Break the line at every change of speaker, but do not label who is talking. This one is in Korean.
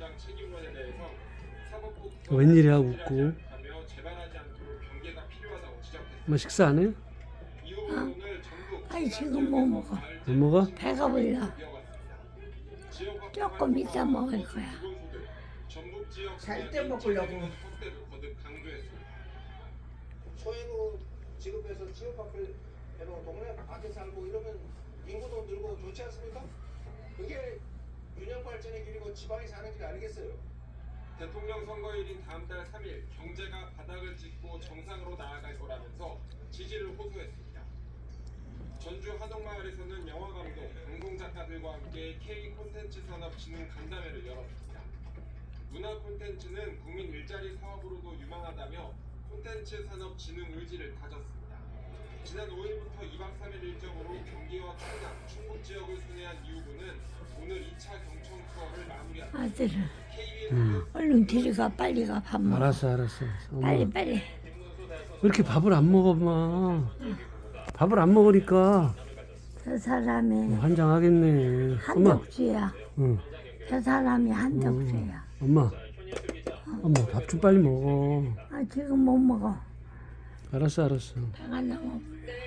공장 책임론에 대해서
웬일이야 웃고.
하며 재발하지 않도록 경계가 필요하다고 지적했습니다.
뭐 식사 안 해요?
이 부분을 전국
아니 지금 못 먹어.
못 먹어?
배가 불러. 조금 이따 먹을 거야.
살 때 먹으려고.
소액으로 지급해서 지역밖을 동네 밖에 살고 이러면 인구도 늘고 좋지 않습니까? 그게 균형 발전의 길이고 지방이 사는 길이 아니겠어요?
대통령 선거일인 다음 달 3일 경제가 바닥을 짚고 정상으로 나아갈 거라면서 지지를 호소했습니다. 전주 하동마을에서는 영화감독, 방송작가들과 함께 K 콘텐츠 산업 진흥 간담회를 열었습니다. 문화 콘텐츠는 국민 일자리 사업으로도 유망하다며 콘텐츠 산업 진흥 의지를 다졌습니다. 지난 5일부터 2박 3일 일정으로 경기와 충남, 충북 지역을 순회한 이후부는 오늘 2차 경청 투어를 마무리합니다.
아들은
KBS
얼른 데려가 빨리 가 밥 먹어.
알았어. 엄마.
빨리 빨리.
왜 이렇게 밥을 안 먹어, 엄마? 밥을 안 먹으니까
저 사람이
환장하겠네. 엄마.
한덕수야.
응.
저 사람이 한덕수야.
엄마. 엄마 밥 좀 빨리 먹어.
아 지금 못 먹어.
알았어.
배가 너무 불러.